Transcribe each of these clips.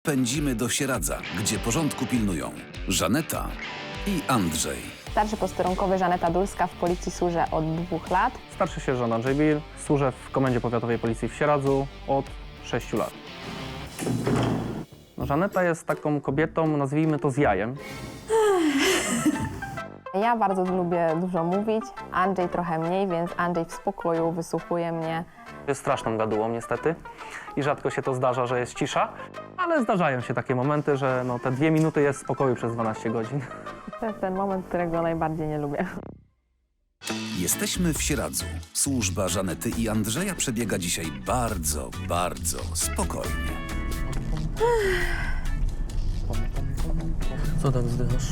Pędzimy do Sieradza, gdzie porządku pilnują Żaneta i Andrzej. Starszy posterunkowy Żaneta Dulska w policji służę od 2 lat. Starszy sierżant Andrzej Bill, służę w Komendzie Powiatowej Policji w Sieradzu od 6 lat. No, Żaneta jest taką kobietą, nazwijmy to z jajem. Ja bardzo lubię dużo mówić, Andrzej trochę mniej, więc Andrzej w spokoju wysłuchuje mnie. Jest straszną gadułą niestety i rzadko się to zdarza, że jest cisza, ale zdarzają się takie momenty, że no, te 2 minuty jest spokoju przez 12 godzin. To jest ten moment, którego najbardziej nie lubię. Jesteśmy w Sieradzu. Służba Żanety i Andrzeja przebiega dzisiaj bardzo spokojnie. Co tak zdychasz?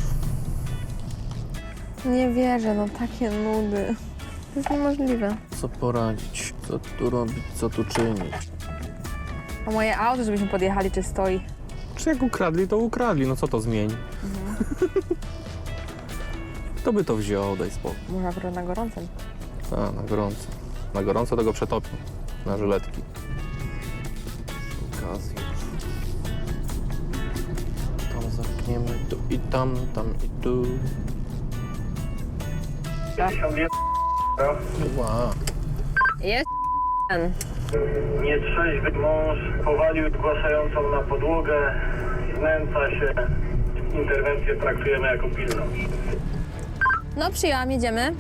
Nie wierzę, no takie nudy. To jest niemożliwe. Co poradzić, co tu robić, co tu czynić? A moje auto, żebyśmy podjechali, czy stoi? Czy jak ukradli, to ukradli, no co to zmieni? Kto by to wziął, daj spokój. Może akurat na gorącym. A, na gorąco. Na gorąco to go przetopią. Na żyletki. Przy okazji. Tam zamkniemy, tu i tam i tu. 51. Wow. Jest ten. Nietrzeźwy mąż powalił zgłaszającą na podłogę, znęca się. Interwencję traktujemy jako pilną. No przyjęłam, jedziemy.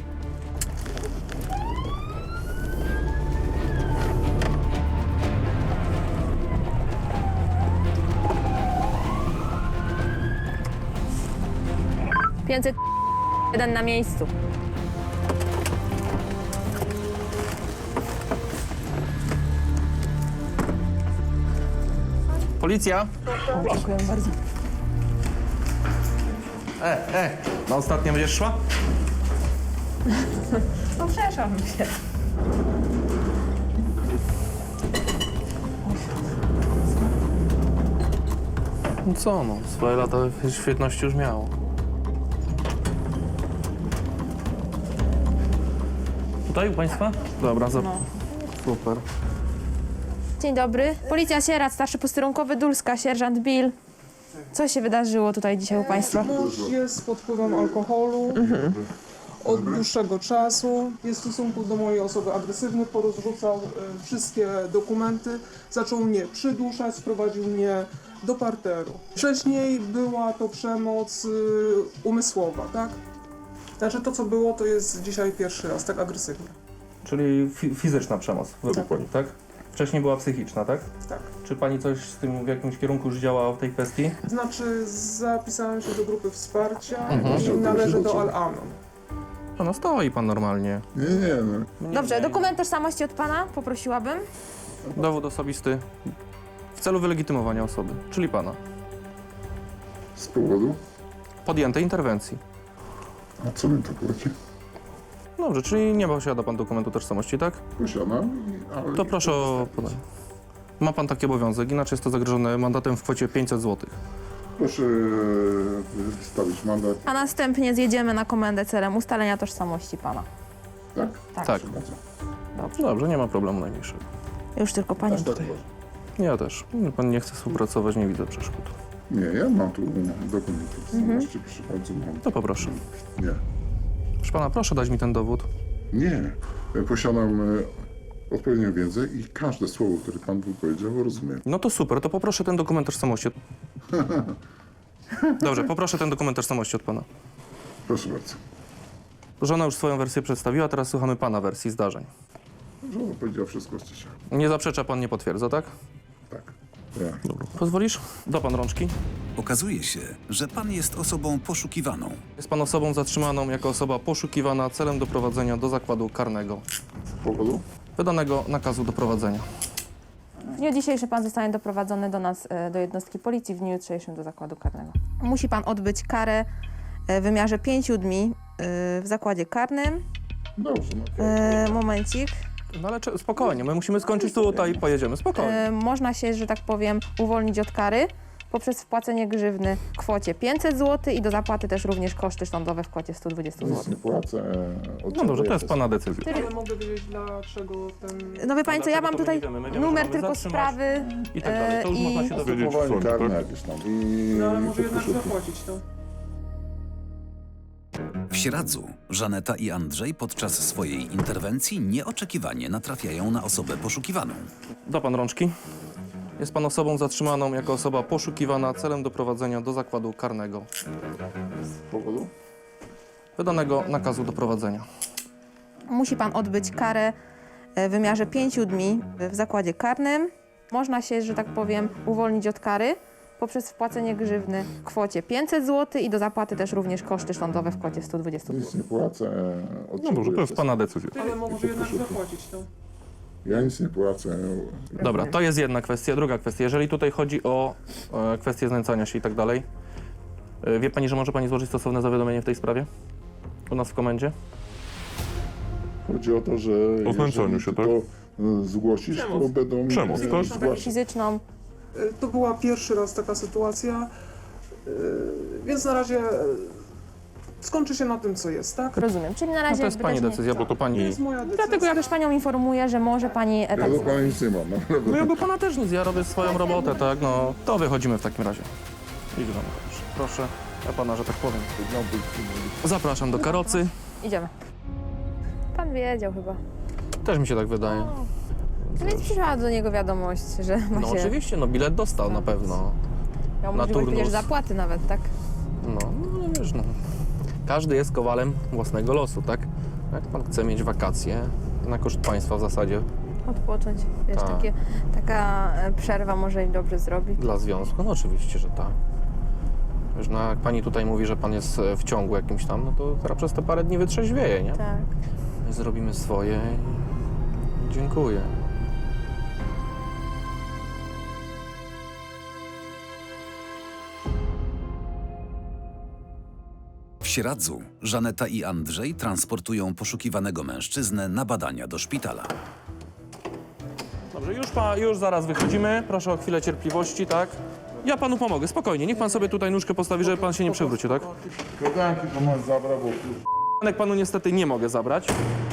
Pięćset jeden na miejscu. Policja! Dziękuję bardzo. Na ostatnie będziesz szła? No przeszłam się. No co no, swoje lata świetności już miało. Tutaj u państwa? Dobra, super. Dzień dobry. Policja Sieradz, starszy posterunkowy Dulska, sierżant Bill. Co się wydarzyło tutaj dzisiaj u państwa? Mąż jest pod wpływem alkoholu od dłuższego czasu. Jest w stosunku do mojej osoby agresywny, porozrzucał wszystkie dokumenty. Zaczął mnie przyduszać, sprowadził mnie do parteru. Wcześniej była to przemoc umysłowa, tak? Znaczy to, co było, to jest dzisiaj pierwszy raz, tak agresywnie. Czyli fizyczna przemoc według pani, tak? Wcześniej była psychiczna, tak? Tak. Czy pani coś z tym w jakimś kierunku już działała w tej kwestii? Znaczy zapisałem się do grupy wsparcia i należę do Al-Anon. No stoi pan normalnie. Nie. Dobrze, dokument tożsamości od pana poprosiłabym. Dowód osobisty w celu wylegitymowania osoby, czyli pana. Z powodu? Podjętej interwencji. A co mi to płaci? Dobrze, czyli nie posiada pan dokumentu tożsamości, tak? Posiadam, ale... To proszę o podanie. Ma pan taki obowiązek, inaczej jest to zagrożone mandatem w kwocie 500 zł. Proszę wystawić mandat, A następnie zjedziemy na komendę celem ustalenia tożsamości pana. tak? Tak. Tak. Proszę bardzo. Dobrze, nie ma problemu najmniejszego. Już tylko panią Tak, tutaj. Ja też. Pan nie chce współpracować, nie widzę przeszkód. Nie, ja mam tu dokumenty. Zobaczcie, proszę bardzo, mam. To poproszę. Nie. Proszę pana, proszę dać mi ten dowód. Nie. Posiadam odpowiednią wiedzę i każde słowo, które pan powiedział, rozumiem. No to super, to poproszę ten dokument tożsamości. Dobrze, poproszę ten dokument tożsamości od pana. Proszę bardzo. Żona już swoją wersję przedstawiła, teraz słuchamy pana wersji zdarzeń. Żona powiedziała wszystko z cicha. Nie zaprzecza pan, nie potwierdza, tak? Tak. Ja. Pozwolisz? Da pan rączki. Okazuje się, że pan jest osobą poszukiwaną. Jest pan osobą zatrzymaną jako osoba poszukiwana celem doprowadzenia do zakładu karnego. Z powodu? Wydanego nakazu doprowadzenia. W dniu dzisiejszym pan zostanie doprowadzony do nas, do jednostki policji, w dniu jutrzejszym do zakładu karnego. Musi pan odbyć karę w wymiarze 5 dni w zakładzie karnym. Dobrze, no. Momencik. No ale spokojnie, my musimy skończyć tutaj i pojedziemy. Spokojnie. Można się, że tak powiem, uwolnić od kary poprzez wpłacenie grzywny w kwocie 500 zł i do zapłaty też również koszty sądowe w kwocie 120 Nic zł. nie płacę. No dobrze, to jest pana decyzja. Ale mogę wiedzieć, dlaczego ten... No wie pani co, ja Dlaczego mam to tutaj my nie wiemy, że numer mamy tylko zatrzymać sprawy I tak dalej. To już można się dowiedzieć. Postępowanie karne jakieś tam. No ale może i jednak podpiszę. zapłacić to. W Sieradzu Żaneta i Andrzej podczas swojej interwencji nieoczekiwanie natrafiają na osobę poszukiwaną. Da pan rączki. Jest pan osobą zatrzymaną jako osoba poszukiwana celem doprowadzenia do zakładu karnego. Z powodu? Wydanego nakazu doprowadzenia. musi pan odbyć karę w wymiarze 5 dni w zakładzie karnym. Można się, że tak powiem, uwolnić od kary poprzez wpłacenie grzywny w kwocie 500 zł i do zapłaty też również koszty sądowe w kwocie 120 Nic zł. nie płacę. No dobrze, to jest pana decyzja. Ale może jednak zapłacić to. Ja nic nie płacę. Dobra, to jest jedna kwestia. Druga kwestia, jeżeli tutaj chodzi o kwestię znęcania się i tak dalej, wie pani, że może pani złożyć stosowne zawiadomienie w tej sprawie? U nas w komendzie? Chodzi o to, że O znęcaniu jeżeli się, to zgłosisz, to będą Przemoc, tak? zgłaszać. Fizyczną. To była pierwszy raz taka sytuacja, więc na razie skończy się na tym, co jest, tak? Rozumiem, czyli na No razie to jest jakby pani też nie- decyzja, bo to To pani... jest moja decyzja. Dlatego ja też panią informuję, że może pani Ja tak do pana nic nie mam, naprawdę. No ja do pana też nic, ja robię swoją robotę, tak? No to wychodzimy w takim razie. Idź do mnie, proszę. Ja pana, że tak powiem. Zapraszam do karocy. Idziemy. Pan wiedział chyba. Też mi się tak wydaje. Więc przyszła do niego wiadomość, że ma No się... oczywiście, no bilet dostał na pewno. Miał na możliwość turnus. przecież zapłaty nawet, tak? No wiesz, no. Każdy jest kowalem własnego losu, tak? Jak pan chce mieć wakacje, na koszt państwa w zasadzie, Odpocząć. Wiesz, Tak. taka przerwa może im dobrze zrobi. dla związku, no oczywiście, że tak. Wiesz, no jak pani tutaj mówi, że pan jest w ciągu jakimś tam, no to teraz przez te parę dni wytrzeźwieje, nie? Tak. My zrobimy swoje i dziękuję. W Sieradzu Żaneta i Andrzej transportują poszukiwanego mężczyznę na badania do szpitala. Dobrze, już zaraz wychodzimy. Proszę o chwilę cierpliwości, tak? Ja panu pomogę, spokojnie. Niech pan sobie tutaj nóżkę postawi, żeby pan się nie przewrócił, tak? Kodanki to masz zabrał, bo Panek panu niestety nie mogę zabrać.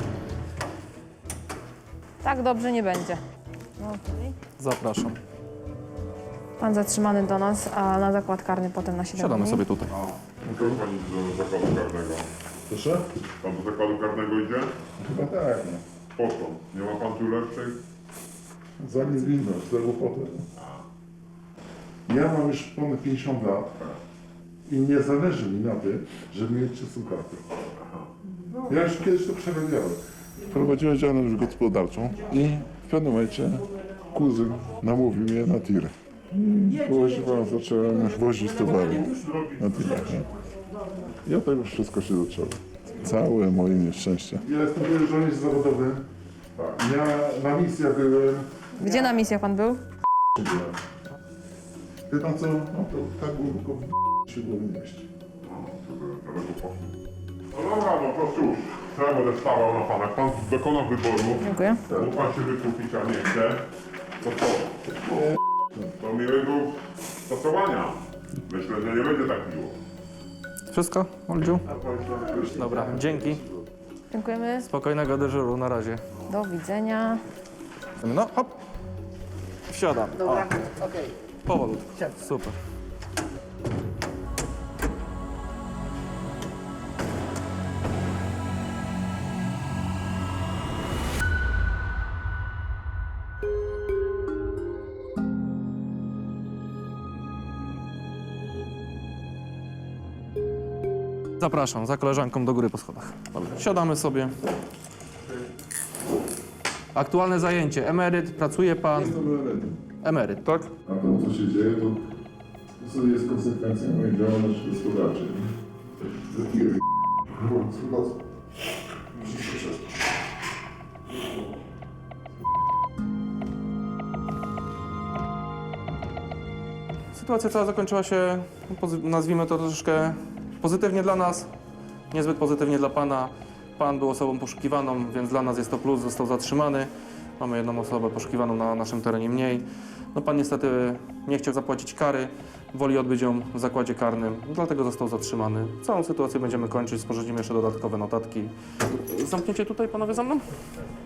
Tak dobrze nie będzie. No, okej. Zapraszam. Pan zatrzymany do nas, a na zakład karny potem na 7 Siadamy dni. sobie tutaj. Muszę pani do zakładu karnego. proszę? Pan do zakładu karnego idzie? Chyba tak, no. Po co? Nie ma pan tu lepszej? Za niewinność, za głupotę. Ja mam już ponad 50 lat i nie zależy mi na tym, żeby mieć czystą kartę. Ja już kiedyś to przerabiałem. Prowadziłem działalność gospodarczą i w pewnym momencie kuzyn namówił mnie na tir. Proszę pana, zacząłem wozić towary na tirach. I od tego wszystko się zaczęło. Całe moje nieszczęście. Ja jestem były żołnierz zawodowy. Ja na misjach byłem. Gdzie na misjach pan był? Wie pan co? No to tak było tylko się było mieść. No dobra, no to cóż. Co ja będę stawał na pana? Jak pan dokonał wyboru, Dziękuję. mógł pan się wykupić, a nie chce, to co? To miłego stosowania. Myślę, że nie będzie tak miło. Wszystko, Oldziu? Dobra, dzięki. Dziękujemy. Spokojnego dyżuru, na razie. Do widzenia. No, hop. Wsiadam. Dobra, okej. Powolutku. Super. Zapraszam, za koleżanką do góry po schodach. Dobra, siadamy sobie. Aktualne zajęcie. Emeryt, pracuje pan. Emeryt, tak? A to, co się dzieje, to jest konsekwencja mojej działalności gospodarczej. Za tiry. Sytuacja cała zakończyła się, nazwijmy to troszeczkę pozytywnie dla nas, niezbyt pozytywnie dla pana. Pan był osobą poszukiwaną, więc dla nas jest to plus, został zatrzymany. Mamy jedną osobę poszukiwaną na naszym terenie mniej. No pan niestety nie chciał zapłacić kary, woli odbyć ją w zakładzie karnym, dlatego został zatrzymany. Całą sytuację będziemy kończyć, sporządzimy jeszcze dodatkowe notatki. Zamkniecie tutaj panowie za mną?